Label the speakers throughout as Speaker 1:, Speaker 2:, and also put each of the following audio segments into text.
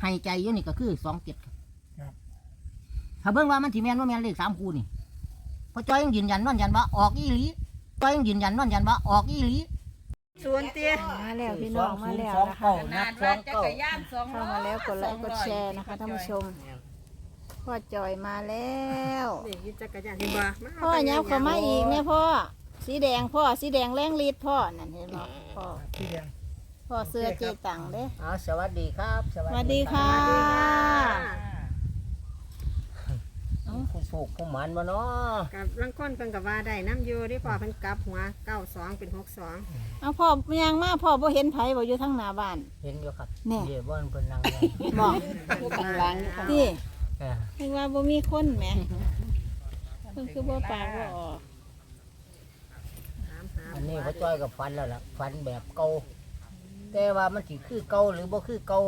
Speaker 1: ให้ใจอยู่นี่ก็คือ27ครับถ้าเบิ่งว่ามันสิแม่นบ่แม่นเลข3คู่นี่พอจ้อยยังยืนยันนอนยันว่าออกอีหลีจ้อยยังยืนยันนอนยันว่าออกอีหลี
Speaker 2: ส่วนเตี้ย
Speaker 3: มาแล้วพี่น้องมาแล้วนะคะ
Speaker 1: นับ2
Speaker 3: เข้ามาแล้วกดไลค์กดแชร์นะคะท่านผู้ชมพ่อจอยมาแล้ว
Speaker 2: นี่ยึดจักรยานเห็นบ่
Speaker 3: พ่อยับเข้ามาอีกเนี่ยพ่อสีแดงพ่อสีแดงแรงฤทธิ์พ่อนั่นเห็นบ่พ่อสีแดงพ่อเสื้อเจตังเด้
Speaker 1: สวัสดีครับ
Speaker 3: สวัสดีค่ะ
Speaker 1: ผู้โชคผู้หมานบ่เนาะ
Speaker 2: กับลังก้นเพิ่นก็ว่าได้น้ำอยู่ที่พ่อเพิ่นกลับหัว92เป็น62
Speaker 3: เอาพ่อย่างมาพ่อบ่เห็นไผบ่อยู่ทางหน้าบ้าน
Speaker 1: เห็นอยู่ครับ
Speaker 3: แน่
Speaker 1: เดี๋ยวบ่เพิ่นนั่งอยู่
Speaker 3: บอกที่คือว่าบ่มีคนแหมเพิ่นคือบ่ปากบ่ออก
Speaker 1: อันนี้พ่อจ้อยกับฟันแล้วล่ะฟันแบบเก่าแต่ว่ามันสิคือเก่าหรือบ่คือเก่า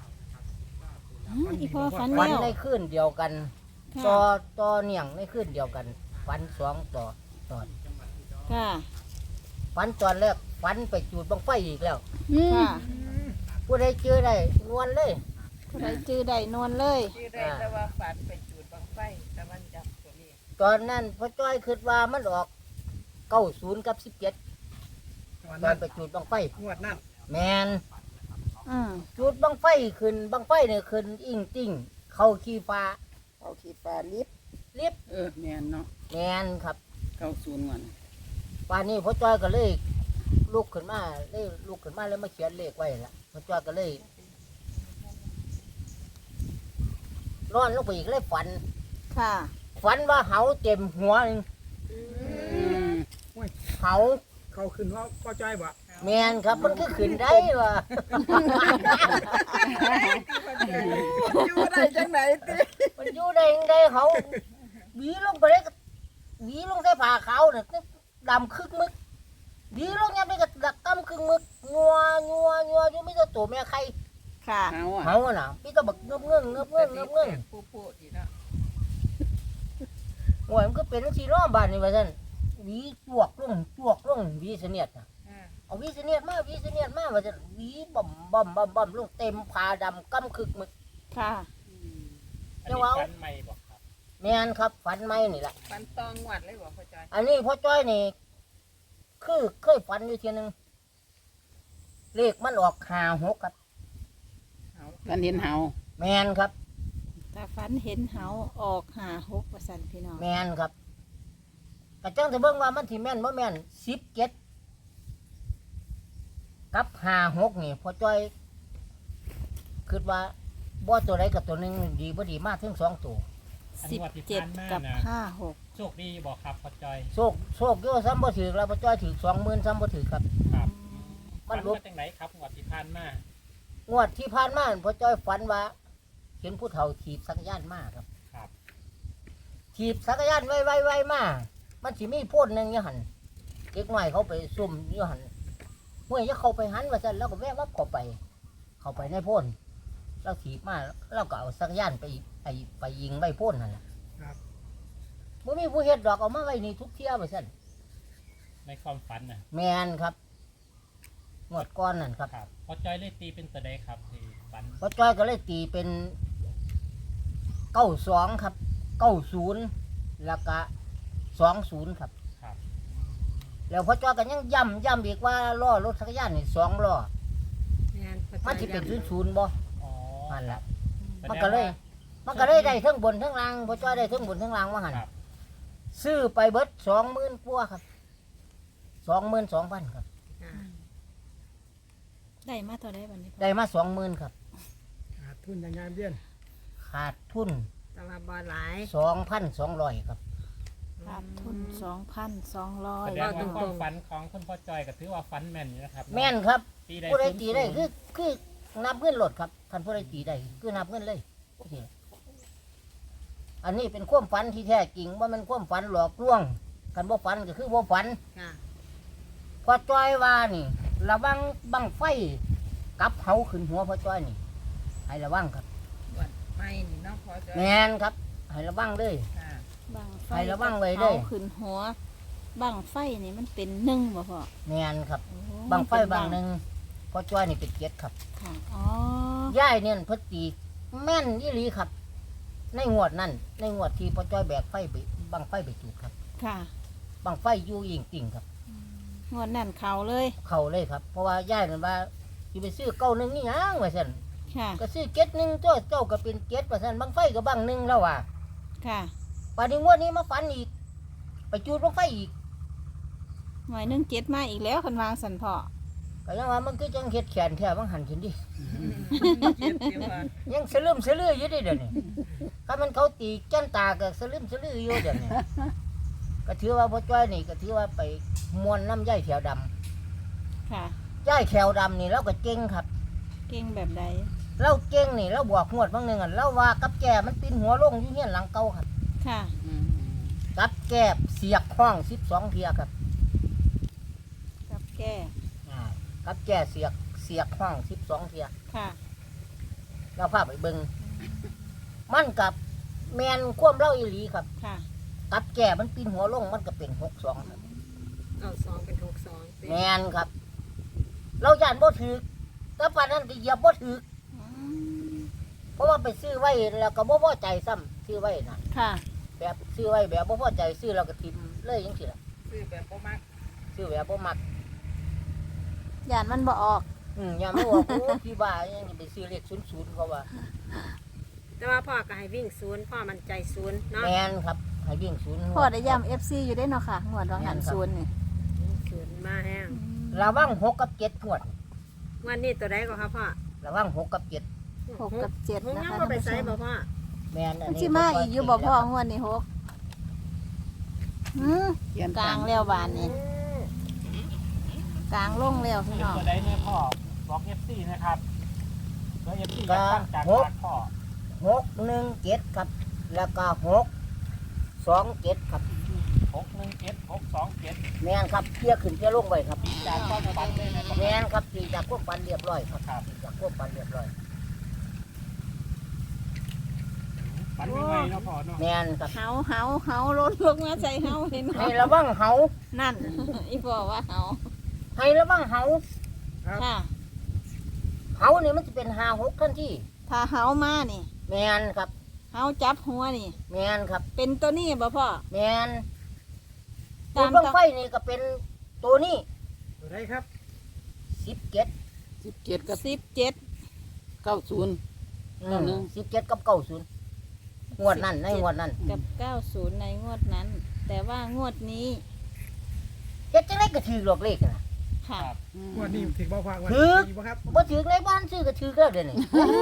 Speaker 3: อีพ่อฝัน
Speaker 1: ฟัน
Speaker 3: แล้ว
Speaker 1: ในคืนเดียวกันต่อเนียงในคืนเดียวกันฟัน2ต่อตอน
Speaker 3: ค่ะ
Speaker 1: ฟันตอนแรกฟันไปจูดบังไฟอีกแล้ว
Speaker 3: ค่ะ
Speaker 1: ผู้ใดเจอได้นวลเลย
Speaker 3: ผู้ใดจื้อได้นวลเลย
Speaker 4: ชื่อได้แต่ว่าฝันไปจูดบังไฟแต่มันจับตัวนี้
Speaker 1: ตอนนั้นพ่อจ้อยคิดว่ามันออก90กับ17ตอนไปจูดบังไฟ
Speaker 4: งวดนั่น
Speaker 1: แมน
Speaker 3: อืม
Speaker 1: จุดบังไฟขึ้นบังไฟเนี่ยขึ้นอิงติ้งเข้าขี้ฟ้า
Speaker 4: เอาขีดปลาลิบ
Speaker 1: ลิบ
Speaker 4: แม่นเนาะ
Speaker 1: แมนครับ
Speaker 4: เข้าศูนย์ก่อน
Speaker 1: ป่านนี้พ่อจ้อยก็เลยลุกขึ้นมาเลยมาเขียนเลขไว้ละพ่อจ้อยก็เลยนอนลงไปอีกเลยฝัน
Speaker 3: ค่ะ
Speaker 1: ฝันว่าเหาเต็มหัวหนึ่งเหา
Speaker 5: เขาขึ้นว่าพ่อจ้อยบ่
Speaker 1: แมนครับมันก็ขึ้นได้ว่ะ
Speaker 4: อยู่ได้จังไหนติ
Speaker 1: มันอยู่ได้ยังไงเขาหวีลงไปเลยก็หวีลงใส่ผ้าขาวเนี่ยดำคึกมึกหวีลงยังไปก็ดักกำคึกมึกงัวอยู่ไม่ตัวตัวแม่ใคร
Speaker 3: ค่ะ
Speaker 4: เอาอ่ะ
Speaker 1: เขาน่ะพี่ก็บักเงือบ
Speaker 4: ผู้ดีเนาะ
Speaker 1: โอ้ยมันก็เป็นสีล้อบ้านนี่ว่าซั่นหวีจวกลงหวีเสนียดน่ะเอาหวีเสนียดมาว่าซั่นหวีบ่มลงเต็มผ้าดำกำคึกมึก
Speaker 3: ค่ะ
Speaker 1: เจ้าว่าแม่นครับฝันไหมนี่แหละ
Speaker 4: ฝันตองงวดเลยบ่พ่อจอย
Speaker 1: อันนี้พ่อจ้อยนี่คือเคยฝันอยู่ทีนึงเลขมันออก56ครับ
Speaker 4: ฝันเห็นเฮา
Speaker 1: แมนครับ
Speaker 3: ถ้าฝันเห็นเหาออก56ว่าซั่นพี่น้อง
Speaker 1: แมนครับกระจังจะเบิ่งว่ามันสิแม่นบ่แม่น17กับ56นี่พ่อจ้อยคิดว่าบ่ตัวใดกับตัวหนึงดีบ่ดีมากถึง2ตัว
Speaker 3: 17กับ56
Speaker 6: โชคดีบอกครับพ่อจอย
Speaker 1: โชคอยู่ซ้ำบ่ถือแล้วพ่อจ้อยถือ20,000ซ้ำบ่ถือครับ
Speaker 6: ครับ
Speaker 1: มันลบ
Speaker 6: จังไหนครับงวดที่ผ่านมาง
Speaker 1: วดที่ผ่านมาพ่อจ้อยฝันว่าเห็นผู้เฒ่าถีบจักรยานมาครับ
Speaker 6: ครับ
Speaker 1: ถีบจักรยานไวมามันสิมีโพ่นหนึงอยู่หั่นเด็กน้อยเขาไปซุ่มอยู่หั่นเมื่อจะเข้าไปหันว่าซั่นแล้วก็แวะวับเข้าไปในโพ่นเราถีบมาเราก็เอาจักรยานไปยิงไว้โพ่นนั่นแหละ
Speaker 5: ครับ
Speaker 1: บ่มีผู้เฮ็ดดอกเอามาไว้นี่ทุกเที่ยว่าซั่น
Speaker 6: ในความฝันนะ
Speaker 1: แม่นครับงวดก้อนนั่นครับ
Speaker 6: ครับพ่อจอยเลยตีเป็นตัวใดครับที่ฝัน
Speaker 1: พ่อจ้อยก็เลยตีเป็น92ครับ90แล้วก็20ครับ
Speaker 6: ครับ
Speaker 1: แล้วพ่อจ้อยก็ยังย้ำอีกว่าล้อรถจักรยานนี่2ล้อ
Speaker 2: แม่นพ่อ
Speaker 1: มัน
Speaker 2: จ้
Speaker 1: สิ
Speaker 2: อย
Speaker 1: เป็น
Speaker 2: ย้ำ
Speaker 1: 00บ่
Speaker 6: อ๋อ
Speaker 1: นั่นแหละ
Speaker 6: แสดง
Speaker 1: มันก็เลย
Speaker 6: ว่า
Speaker 1: มันก็เลยได้ทั้งบนทั้งล่างพ่อจ้อยได้ทั้งบนทั้งล่างว่าหั่น
Speaker 6: ครับ
Speaker 1: ซื้อไปเบิด20,000กว่าครับ22,000ครับ
Speaker 2: ค่ะ
Speaker 3: ได้มาเท่าใดบัดนี้พ่อ
Speaker 1: ได้มา20,000ครับ
Speaker 5: ขาดทุนอย่างงานเบี้ยน
Speaker 1: ขาดทุน
Speaker 2: แต่ว่าบ่หลาย
Speaker 1: 2,200ครับ
Speaker 3: ขาดทุน
Speaker 6: แส
Speaker 3: 2,200
Speaker 6: ดงว่าความฝันของคุณพ่อจอยก็ถือว่าฝันแม่นอยู่นะครับ
Speaker 1: แม่นครับ
Speaker 6: ตีได้
Speaker 1: ผู้ใดตีได้
Speaker 6: 00
Speaker 1: คือนับเงินหลดครับท่านผู้ใดตีได้คือนับเงินเลยโอเคอันนี้เป็นความฝันที่แท้จริงว่ามันความฝันหลอกลวงกันบ่ฝันก็คือบ่ฝัน
Speaker 2: ค่ะ
Speaker 1: พอจ้อยว่านี่ระวังบังไฟกับเฮาขึ้นหัวพอจ้อยนี่ให้ระวังครับ
Speaker 4: งวดไม่นี่เนาะพ่อจอย
Speaker 1: แมนครับให้ระวังเลย
Speaker 4: ค่ะ
Speaker 3: บังไฟ
Speaker 1: ให้ระวังไว้เด้อ
Speaker 3: อาขึ้นหัวบังไฟนี่มันเป็นหนึ่งบ่พ่อ
Speaker 1: แมนครับ
Speaker 3: โอ้
Speaker 1: บังไฟ
Speaker 3: มันเป็น
Speaker 1: บางหนึ่งพอจ้อยนี่เป็นเจ็ดครับ
Speaker 3: ค่ะอ๋อย่
Speaker 1: ายเนี่ยเพิ่นตีแม่นอีหลีครับ ในงวดนั้นในงวดที่พ่อจ้อยแบกไฟไปบังไฟไปจุดครับ
Speaker 3: ค่ะ
Speaker 1: บังไฟอยู่ยิงติ่งครับ
Speaker 3: งวดนั่นเขาเลย
Speaker 1: เข้าเลยครับ เพราะว่าย่ายนั่นว่าสิไปซื้อเก้าหนึ่งนี่หยังว่าซั่น
Speaker 3: ค่ะ
Speaker 1: ก็ซื้อเก็ดหนึ่งเจ้าก็เป็นเก็ดว่าซั่นบังไฟก็บังหนึ่งแล้วว่า
Speaker 3: ค่ะ
Speaker 1: ป่านนี้งวดนี้มาฝันอีก ไปจุดบังไฟอีก
Speaker 3: หน่วยหนึ่งเจ็ดมาอีกแล้วคันวางสันพ่อ
Speaker 1: ก็ยังว่ามันคือจังเฮ็ดแขนแท้บังหันขึ้นดิ
Speaker 4: เจ็บเดียวว่า
Speaker 1: ยังสลืมสลืออยู่เด้เดี๋ยวนี้ถ้ามันเขาตีจันตาก็สลืมสลืออยู่เดี๋ยวนี้ก็ถือว่าพ่อจ้อยนี่ก็ถือว่าไปมวนน้ำย่ายแถวดำ
Speaker 3: ค่ะ
Speaker 1: ย่ายแถวดำนี่เราก็เก่งครับ
Speaker 3: เก่งแบบใด
Speaker 1: เราเก่งนี่เราบวกงวดบางหนึ่งอ่ะเราว่ากับแก่มันปีนหัวลงอยู่เฮียนหลังเก่าครับ
Speaker 3: ค่ะ
Speaker 1: กับแก่เสียกห้อง12เทียครับ
Speaker 3: กับแก้
Speaker 1: กับแก่เสียกห้อง12เทีย
Speaker 3: ค่ะ
Speaker 1: เราพาไปเบิงมันกับแมนความเล่าอีหลีครับ
Speaker 3: ค่ะ
Speaker 1: กับแก่มันปีนหัวลงมันก็เป็น62ครับ
Speaker 2: 92เป็น62
Speaker 1: แมนครับ เราย่านบ่ถือแต่ปานนั้นก็เหยียบบ่ถือ
Speaker 3: อืม
Speaker 1: เพราะว่าไปซื้อไว้แล้วก็บ่พอใจซ้ำซื้อไว้น่ะ
Speaker 3: ค่ะ
Speaker 1: แบบซื้อไว้แบบบ่พอใจซื้อแล้วก็ทิ่มเลยจังซี่ล่ะ
Speaker 4: ซื้อแบบบ่มัก
Speaker 1: ซื้อแบบบ่มัก
Speaker 3: ยานมันบ่ออก
Speaker 1: อย่ามาบอกโอ้พี่บ้ายังจะไปซื้อเลข00เขาว่า
Speaker 2: แต่ว่าพ่อก็ให้วิ่งศูนย์พ่อมั่นใจศูนย์เนาะ
Speaker 1: แมนครับให้วิ่ง0
Speaker 3: พ่อได้ย้ำ FC อยู่ได้เนาะค่ะงวดรองหันศูนย์นี่
Speaker 2: ศูนย์มาแห้ง
Speaker 1: ระวัง6กับ7งวด
Speaker 2: วันนี้ตัวใดก็ครับพ่อ
Speaker 1: ระวัง6กับ7
Speaker 3: 6กับ7
Speaker 2: หก
Speaker 3: นะ
Speaker 2: ยัง
Speaker 3: คะ
Speaker 2: บ่ไป
Speaker 3: ท่าน
Speaker 2: ใส่
Speaker 3: ผู้ช
Speaker 2: บ่
Speaker 3: ม
Speaker 2: พ่อ
Speaker 1: แมนอัน
Speaker 3: มัน
Speaker 1: นี้
Speaker 3: สิมาอีกอยู่บ่พ่องวดนี้6กลางแล้วบานนี่กลางลงแล้วพี่
Speaker 6: เป็น
Speaker 3: น้อง
Speaker 6: ตัวใดเนี่ยพ่อบอก FC นะครับตัว FC อยากฟังจากปากพ่อ
Speaker 1: 617ครับแล้วก็627ครับ
Speaker 6: 617 627
Speaker 1: แมนครับเคลียร์ขึ้นเคลียร์ลงไว้ครับ
Speaker 6: จากความฝันเลยนะครับ
Speaker 1: แมนครับตีจากพวกปันเรียบร้อยครับ
Speaker 6: ครับ
Speaker 1: ตีจากพวกปันเรียบร้อย
Speaker 6: ฝันไม่ไหวเนาะพ่อเนาะ
Speaker 1: แมนครับ
Speaker 3: เฮาลดลงมาใส่เฮาเห็น
Speaker 1: ให้
Speaker 3: เนาะ
Speaker 1: ระวังเหา
Speaker 3: นั่น อีพ่อว่าเฮา
Speaker 1: ให้ระวังเหา
Speaker 3: ค่ะ
Speaker 1: เหานี่มันจะเป็น56ทันที
Speaker 3: ถ้าเฮามานี่
Speaker 1: แมนครับ
Speaker 3: เฮาจับหัวนี่
Speaker 1: แมนครับ
Speaker 3: เป็นตัวนี้บ่พ่อ
Speaker 1: แมน
Speaker 3: ตาม
Speaker 1: ตัวบังไฟนี่ก็เป็นตัวนี้
Speaker 5: ตัวใดครับ
Speaker 1: 17
Speaker 7: 17กับ
Speaker 3: 17
Speaker 7: 90
Speaker 1: 17กับ90งวดนั้นในงวดนั้น
Speaker 3: กับ90ในงวดนั้น แต่ว่างวดนี้
Speaker 1: เฮ็ดจังไดก็ถือหลอกเลขนะ
Speaker 3: ค่ะ
Speaker 5: งวันนี้ถึงบ่ฟังวัน
Speaker 1: ถึก
Speaker 5: ดีบ่ครับ
Speaker 1: บ่ถือในบ้านซื้อก็ถือแล้วเดี๋ยวนี้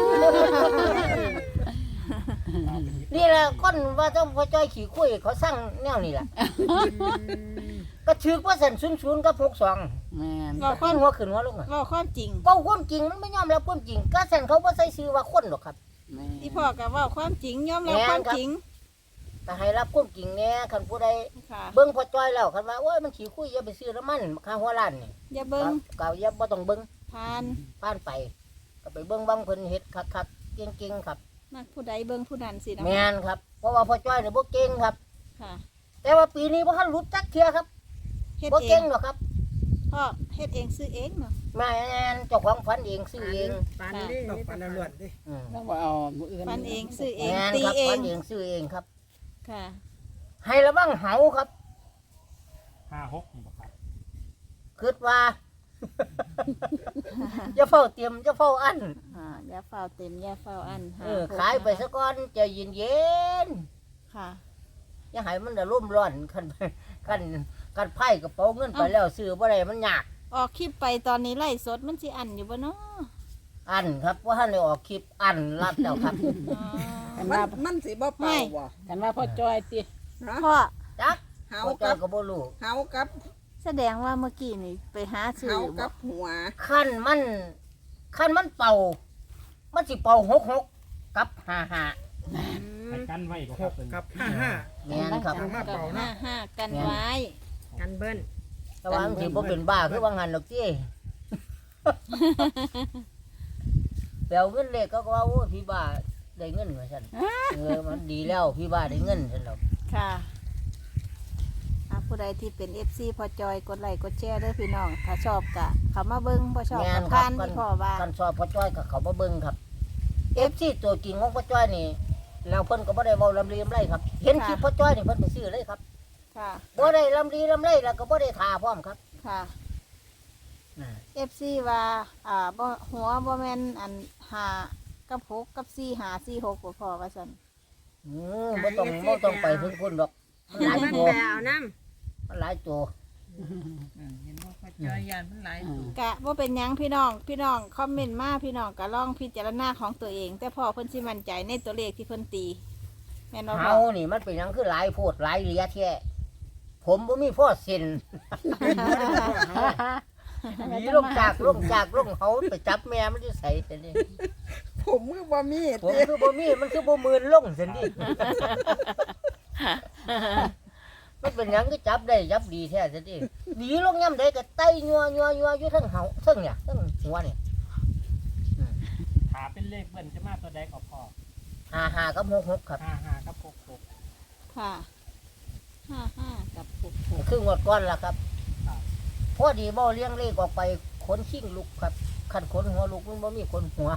Speaker 1: นี่แหละคนว่าเจ้าพ่อจ้อยขี่คุยเขาสั่งแนวนี่แหละก็ถือว่าสัน00กับ62
Speaker 7: แม่น
Speaker 3: บอก
Speaker 1: ขึ้นหัวขึ้นหัวลงอ่ะ
Speaker 3: เว้าความจริง
Speaker 1: เว้าความจริงมันไม่ยอมรับความจริงก็สันเขาบ่ใส่ชื่อว่าคนหรอกครับ
Speaker 7: แม่
Speaker 3: อีพ่อก็เว้าความจริงยอมรับความจริง
Speaker 1: แต่ให้รับความจริงแน่คันผู้ใด
Speaker 3: ค่ะ
Speaker 1: เบิ่งพ่อจ้อยแล้วคันว่าโอ้ยมันขี่คุยอย่าไปซื้อน้ำมันค่าหัวล้านนี่
Speaker 3: อย่าเบิ่ง
Speaker 1: ก็อย่าบ่ต้องเบิ่ง
Speaker 3: ผ่าน
Speaker 1: ผ่านไป ก็ไปเบิ่งบางเพิ่นเฮ็ดคักๆเก่งๆครับ
Speaker 3: มักผู้ใดเบิ่งผู้นั้นสิเนาะ
Speaker 1: แม่นครับเพราะว่าพ่อจ้อยนี่บ่เก่งครับ
Speaker 3: ค่ะ
Speaker 1: แต่ว่าปีนี้บ่ทันรู้จักเทื่อครับ
Speaker 3: เฮ็ด
Speaker 1: บ่
Speaker 3: เอ
Speaker 1: เก่
Speaker 3: ง
Speaker 1: งหรอกครับ
Speaker 3: พ่อเฮ็ดเองซื้อเองเนาะ
Speaker 1: แม่นเจ้าของฝันเองซื้อเอง
Speaker 2: ปันดิ
Speaker 5: ต้องปันล้วนๆดิ
Speaker 1: อืม
Speaker 7: ต้องว่าเอามื้ออื่น
Speaker 3: ฟันเองซื้อเอง
Speaker 1: แม่น
Speaker 3: ตี
Speaker 1: ครับ
Speaker 3: เอ
Speaker 1: ฝั
Speaker 3: ง
Speaker 1: นเองซื้อเองครับ
Speaker 3: ค่ะ
Speaker 1: ให้ระวังเหาครับ
Speaker 6: 56นี่บ่ครับ
Speaker 1: คิดว่า จะเฝ้าเตรียมจะเฝ้าอัน
Speaker 3: อย่าเฝ้าเต็มอย่าเฝ้าอัน
Speaker 1: ขายไปซะก่อนใจเย็น
Speaker 3: ค่ะ
Speaker 1: ๆอย่าให้มันได้ร่มร้อนคันไพ่กระเป๋าเงินไปแล้วซื้อบ่ได้มันยาก
Speaker 3: ออกคลิปไปตอนนี้ไล่สดมันสิอันอยู่บ่เนาะ
Speaker 1: อันครับว่าท่านได้ออกคลิปอันรับแล้วครับ
Speaker 3: อ๋อ
Speaker 7: กันว่า
Speaker 4: มันสิบ่เป่าบ่
Speaker 7: กันว่าพ่อจ้อยติ
Speaker 3: พ่อ
Speaker 1: จัก
Speaker 4: เฮา
Speaker 1: พ่อจ้อ
Speaker 4: กั
Speaker 1: ย
Speaker 4: บ
Speaker 1: ก็บ่รู้
Speaker 4: เฮากับ
Speaker 3: แสดงว่าเมื่อกี้นี่ไปหาซื้อ
Speaker 4: เฮา
Speaker 3: บ่
Speaker 4: กับหัว
Speaker 1: ขั้นมันเป่า มันสิเป่า66กับ55
Speaker 6: ให้กันไว้บ่
Speaker 5: ห
Speaker 6: ครับ
Speaker 5: ก
Speaker 6: เป็น
Speaker 5: กับ55
Speaker 1: แม่นครับ
Speaker 5: มา
Speaker 3: กับ
Speaker 5: เป่านะ
Speaker 3: 55กันไว้
Speaker 2: กันเบิ้ล
Speaker 1: แต่ว่ามันสิบ่เป็นบ้าคือว่างั้นดอกจี้ แปลวเงินเลขก็ว่าโอ้พี่บ้าได้เงินว่าซั่นมันดีแล้วพี่บ้าได้เงินซั่นดอก
Speaker 3: ค่ะผู้ใดที่เป็น FC พอจอยกดไลค์กดแชร์เด้อพี่น้อง ถ้าชอบก็เข้ามาเบิ่งบ่ชอบ
Speaker 1: แม่
Speaker 3: ก็
Speaker 1: นครั
Speaker 3: ผ่า
Speaker 1: บ
Speaker 3: นที่พ่อว่า
Speaker 1: กันสอบพ่อจ้อยกับเขามาเบิ่งครับ FC ตัวจริงของพ่อจ้อยนี่แล้วเพิ่นก็บ่ได้เว้าลำลีลำไรครับ เห็นคลิปพ่อจ้อยนี่เพิ่นไปซื้อเลยครับ
Speaker 3: ค่ะ
Speaker 1: บ่ได้ลำลีลำไรแล้วก็บ่ได้ทาพร้อมครับ
Speaker 3: ค่ะ
Speaker 1: อ่า
Speaker 3: FC ว่าบ่หัวบ่แม่นอัน5กับ6กับ4 5 4 6บ่พอว่าซั่น
Speaker 1: บ่ต้องไปถึงคุณดอกมันหลาย
Speaker 2: มัน
Speaker 1: ตัว
Speaker 2: แปลเอาน้
Speaker 1: มันหลายตัว
Speaker 4: เห็นว่าพ่อจอยยานมันหลายตัว
Speaker 3: กะว่าเป็นหยังพี่น้องคอมเมนต์มาพี่น้องก็ลองพิจารณาของตัวเอง แต่พ่อเพิ่นสิมั่นใจในตัวเลขที่เพิ่นตีแม่นบ่พ่
Speaker 1: เฮา
Speaker 3: อ
Speaker 1: นี่มันเป็นหยังคือหลายโพดหลายเหลียแท้ผมบ่มีพ่อเซ็นหนีลงจากเฮาไปจับแม่มันอยู่ไสซั่นนี่
Speaker 7: ผมมือบ่มี
Speaker 1: ผมคือบ่มีมันคือบ่มื่นลงซั่นนี่มันเป็นหยังก็จับได้จับดีแท้ซั่นนี่หนีลงย่ำใดก็ไต่ยัวอยู่ทั้งเฮาทั้งเนี่ยทั้งหัวนี่
Speaker 6: ถาเป็นเลขเบิ้ลจะมาตัวใดก็พอ
Speaker 1: 55กับ66ครับ
Speaker 6: 55กับ66
Speaker 3: ค่ะ55กับ66
Speaker 1: คืองวดก่อนล่ะครับ
Speaker 6: ครับ
Speaker 1: พอดีบ่เลี้ยงเลขออกไปขนชิงลุกครับคันขนหัวลุกมันบ่มีขนหัว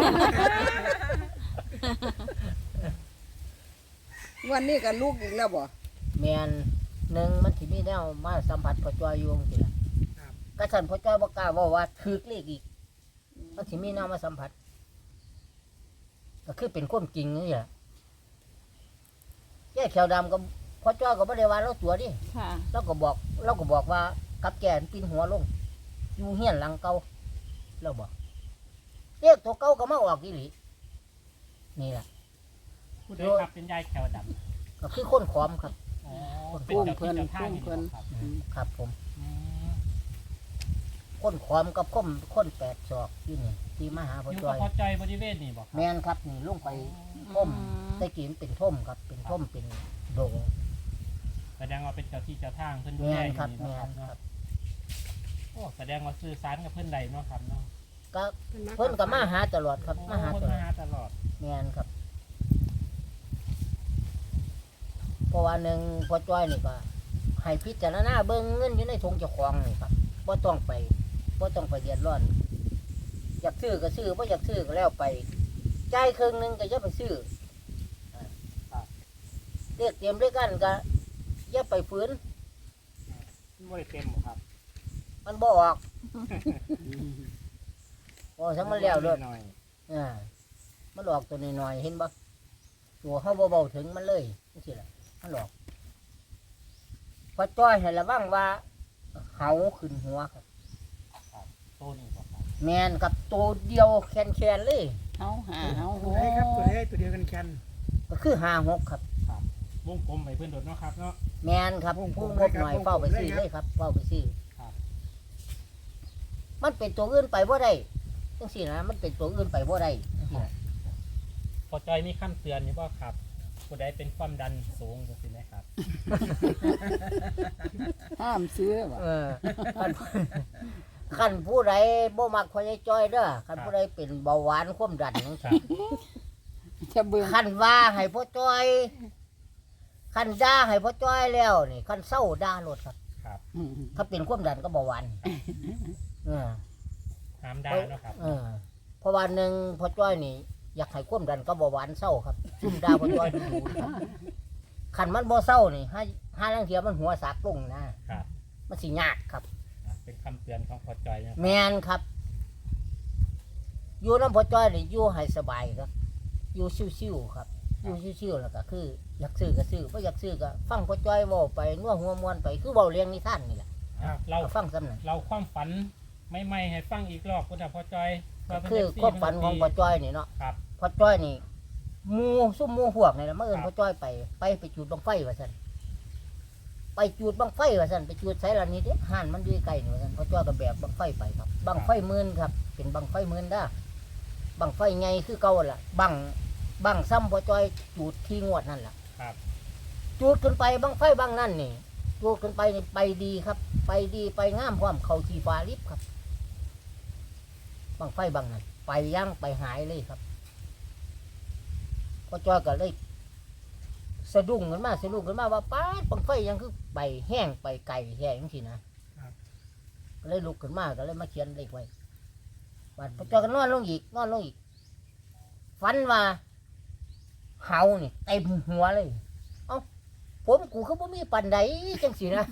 Speaker 7: วันนี้ก็ลูกอีกแล้วบ่
Speaker 1: แม่นหนึ่งมันสิมีแนวมาสัมผัสพ่อจ้อยอยู่จังซี่ล่ะกระสันพ่อจ้อยบ่กล้าเว้าว่าถูกเลขอีกมันสิมีแนวมาสัมผัสก็คือเป็นความจริงนี่แหละแย่แขวดำกับพ่อจ้อยก็บ่ได้ว่าเราตัวดิ
Speaker 3: ค่ะ
Speaker 1: เราก็บอกว่ากับแก่นปีนหัวลงอยู่เฮียนหลังเก่าเราบอกเลขตัวเก่าก็มาออกอีหลีนี่แหละ
Speaker 6: ผู้ใดครับเป็นยายแขวดำ
Speaker 1: ก็คือคนขอมครับ
Speaker 6: อ๋อเป็นเจ้าที่เจ้าทางนี่บ่ครับ
Speaker 1: ครับผม
Speaker 6: อืม
Speaker 1: คนขอมกับคนแปดศอกที่นี่ที่มาหาพ่อ
Speaker 6: อยู่
Speaker 1: จ้
Speaker 6: กั
Speaker 1: อบ ย
Speaker 6: พ่อจอยบริเวณนี่บ่ครับ
Speaker 1: แมนครับนี่ลงไปท่มตะกี้มันเป็นท่มครับ เป็นท่มเป็นโดง
Speaker 6: แสดงว่าเป็นเจ้าที่เจ้าทางเพิ่นดู
Speaker 1: แม
Speaker 6: แล
Speaker 1: น
Speaker 6: อยู่
Speaker 1: ครับ
Speaker 6: นี่
Speaker 1: แม
Speaker 6: เนาะครับ
Speaker 1: นค
Speaker 6: เนาะ
Speaker 1: รับ
Speaker 6: โอ้แสดงว่าสื่อสารกับเพิ่นใดเนาะครับเนาะ
Speaker 1: ก็
Speaker 2: ำ
Speaker 1: เพิ่นก็มาหาตลอดครับมาหา
Speaker 6: โอ้
Speaker 1: ต
Speaker 6: เพิ่น
Speaker 1: ลอ
Speaker 6: มา
Speaker 1: ด
Speaker 6: หาตลอด
Speaker 1: แมนครับเพราะว่าหนึ่งพ่อจ้อยนี่ก็ให้พิจารณาเบิ่งเงินอยู่ในธงเจ้าของนี่ครับบ่ต้องไปเดือดร้อน อยากซื้อก็ซื้อบ่อยากซื้อก็แล้วไปจ่ายครึ่งหนึงก็อย่าไปซื้อเรียกเตรียมด้วยกันก็อย่าไปฝืน
Speaker 6: บ่ได้เต็มบ่ครับ
Speaker 1: มันบ่ออกพอทั้งมันแล้วเลย
Speaker 6: หน่อย
Speaker 1: มันออกตัวน้อยๆเห็นบ่ตัวเฮาบ่เบาถึงมันเลยจังซี่ล่ะมันออกพอจ้อยให้ระวังว่าเหาขึ้นหัวครับ
Speaker 6: โตนี่บ่ครับ
Speaker 1: แม่นครับตัวเดียวแคนๆเลย
Speaker 7: เฮาหาเฮา
Speaker 5: ตัวไหนครับตัวไหนตัวเดียวกันแคน
Speaker 1: ก็คือ56ครับ
Speaker 6: วงกลมให้เพิ่นโดดเนาะครับเนาะ
Speaker 1: แม่นครับผู้งบหน่อยเฝ้าไปซื้อเลยครับเฝ้าไปซื้อ
Speaker 6: ครับ
Speaker 1: มันเป็นตัวอื่นไปบ่ได้จังซี่นะมันเป็นตัวอื่นไปบ่ได้จังซี่นะ
Speaker 6: พอจอยมีคำเตือนนี่บ่ครับผู้ใดเป็นความดันสูงจังซี่ไหมครับ
Speaker 7: ห้ามซื้อบ่
Speaker 1: คันผู้ใดบ่มักพ่อใหญ่จ้อยเด้อคันผู้ใดเป็นเบาหวานความดันจัง
Speaker 6: ครั
Speaker 1: ซี่
Speaker 6: บ
Speaker 7: จะเบิ่ง
Speaker 1: คันว่าให้พ่อจ้อยคันด่าให้พ่อจ้อยแล้วนี่คันเศร้าด่าโลดครับ
Speaker 6: ครับ
Speaker 1: ถ้าเป็นความดันก็เบาหวานเออ
Speaker 6: ห้ามด่าเนาะครับ
Speaker 1: เพราะว่าหนึ่งพ่อจ้อยนี่อยากให้ความดันก็เบาหวานเศร้าครับซุ่มด่าพ่อจ้อยดูครับคันมันบ่เศร้านี่ห้าลังเทียมันหัวสากลงนะครับ มันสิยากครับ
Speaker 6: เป็นคำเตือนของพอจอยนะ
Speaker 1: แมนครับ อยู่น้ำพ่อจ้อยนี่อยู่ให้สบายครับ อยู่ชิวๆครับ อยู่ชิวๆแล้วก็คือ อยากซื้อก็ซื้อบ่อยากซื้อก็ฟังพ่อจ้อยเว้าไปนัวหัวมวนไปคือเว้าเลี้ยงนิทานนี่แหละ
Speaker 6: เรา
Speaker 1: ฟังซ้ำนั่น
Speaker 6: เราความฝันไม่ให้ฟังอีกรอบพุทธพอจอย
Speaker 1: ก็คือความฝันของพ่อจ้อยนี่เนาะ
Speaker 6: ครับ
Speaker 1: พ่อจ้อยนี่หมู่ซุ่มหมู่พวกนี่แหละมาเอิ้นพ่อจ้อยไปจุดบังไฟว่าซั่นไปจุดบังไฟว่าซั่นไปจุดไสล่ะนี่เด้ห่านมันอยู่ใกล้นี่ว่าซั่นพ่อจ้อยก็แบบบังไฟไปครับบังไฟหมื่นครับ เป็นบังไฟหมื่นเด้อบังไฟใหญ่คือเก่าล่ะบังซ้ำพ่อจ้อยจุดที่งวดนั่นล่ะ
Speaker 6: ครับ
Speaker 1: จุดขึ้นไปบังไฟบังนั่นนี่จุดขึ้นไปนี่ไปดีครับ ไปดีไปงามพร้อมเข้าที่ฟ้าลิบครับบังไฟบังนั่นไปย่างไปหายเลยครับพ่อจ้อยก็เลยสะดุ้งขึ้นมาว่าป้าดบังไฟยังคือไปแห้งไปไก่แห้งสินะก็เลยลุกขึ้นมาก็เลยมาเขียนเลขไว้บัดพ่อจ้อยก็นอนลงอีก ฝฝันว่าเฮานี่เต็มหัวเลย เอ้าผมกูคือบ่มีปานใดจังสินะ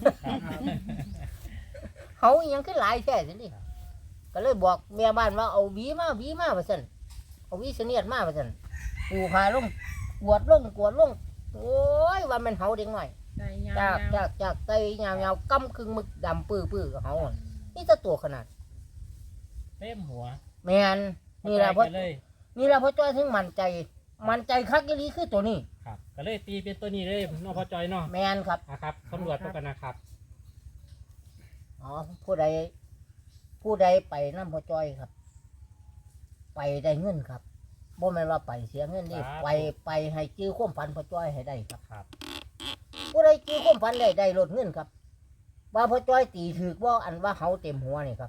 Speaker 1: เฮาอิหยังคือหลายแท้สินี่ก็เลยบอกแม่บ้านว่าเอาหวีมาว่าซั่นเอาหวีเสนียดมาว่าซั่นปูพาลงกวดลงโอ้ยว่ามันเฮาเด็กน้อย
Speaker 4: ใจยา
Speaker 1: จากไตยาวๆกำครึ่งมึกดำปื้อๆกับเฮาอะนี่จะตัวขนาด
Speaker 6: เต็มหัว
Speaker 1: แม่นนี่ล่ะ
Speaker 6: พอ
Speaker 1: เพราะ
Speaker 6: ใจเลย
Speaker 1: นี่ล่ะเพราะจ้อยถึงมั่นใจคักอีหลีคือตัวนี้
Speaker 6: ครับก็เลยตีเป็นตัวนี้เลยเนาะพอจอยเนาะ
Speaker 1: แม่นครับ
Speaker 6: นะครับตำรวจพวกกันนะครับ
Speaker 1: อ๋อผู้ใดไปน้ำพ่อจ้อยครับ ไปได้เงินครับบ่แม่นว่าไปเสียเงินนี่ไปให้จื้อความฝันพ่อจ้อยให้ได้ครับ
Speaker 6: ครับ
Speaker 1: ผู้ใดจื้อความฝันได้ลดเงินครับว่าพ่อจ้อยตีถือว่าอันว่าเฮาเต็มหัวนี่ครับ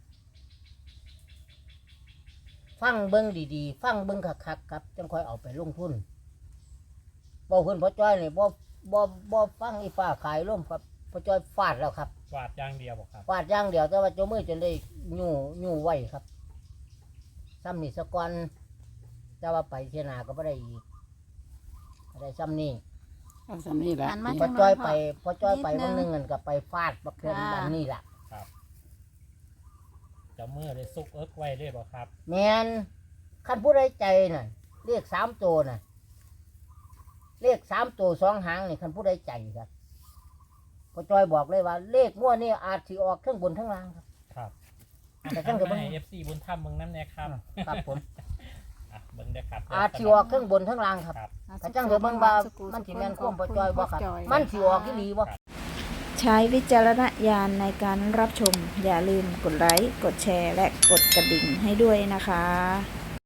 Speaker 1: ฟังเบิ่งดีๆฟังเบิ่งคักๆครับจังค่อยเอาไปลงทุนบ่เพิ่นพ่อจ้อยนี่บ่ฟังอีฟ้าขายล่มครับพ่อจ้อยฟาดแล้วครับ
Speaker 6: วาดอย่างเดียวบอกครับ
Speaker 1: ฟาดอย่างเดียวแต่ว่าเจ้ามือจนได้ยู่ไว้ครับซ้ำนี่สะก่อนแต่ว่าไปเทียนาก็ไม่ได้อีกก็ได้ซ้ำนี่
Speaker 7: เอาสำนี่ละ
Speaker 3: หันมา
Speaker 1: พอ
Speaker 3: ทาง
Speaker 1: จ้อย
Speaker 3: พ่
Speaker 1: ไปพอจ้อยไปวันหนึงเงินก็ไปฟาดบักเทือน
Speaker 3: ค่ะ
Speaker 1: บันนี่แหละ
Speaker 6: เจ้ามือเลยซุกเอิกไว้เลยบอกครับ
Speaker 1: แมนคันผู้ใดใจน่ะเลข3 ตัวน่ะเลข3 ตัว2 หางนี่คันผู้ใดใจครับพอจ้อยบอกเลยว่า เลขมั่วนี่อาจสิออกเครื่องบนทั้งล่างครับ
Speaker 6: ครับ
Speaker 1: แต่ตั้งแต่เบิ่ง
Speaker 6: ให้ FC บุญธรรมเบิ่งน้ำแน่ครับ
Speaker 1: ครับผม
Speaker 6: อ่ะเบิ่งได้ครับ
Speaker 1: อาจสิออกเครื่องบนทั้งล่างครับ
Speaker 6: ครับ
Speaker 1: ถ้าจังเดี๋ยวเบิ่งว่ามันสิแม่นความพอจ้อยบ่ครับมันสิออกอีหลีบ่
Speaker 3: ใช้วิจารณญาณในการรับชม อย่าลืมกดไลค์ กดแชร์ และกดกระดิ่งให้ด้วยนะคะ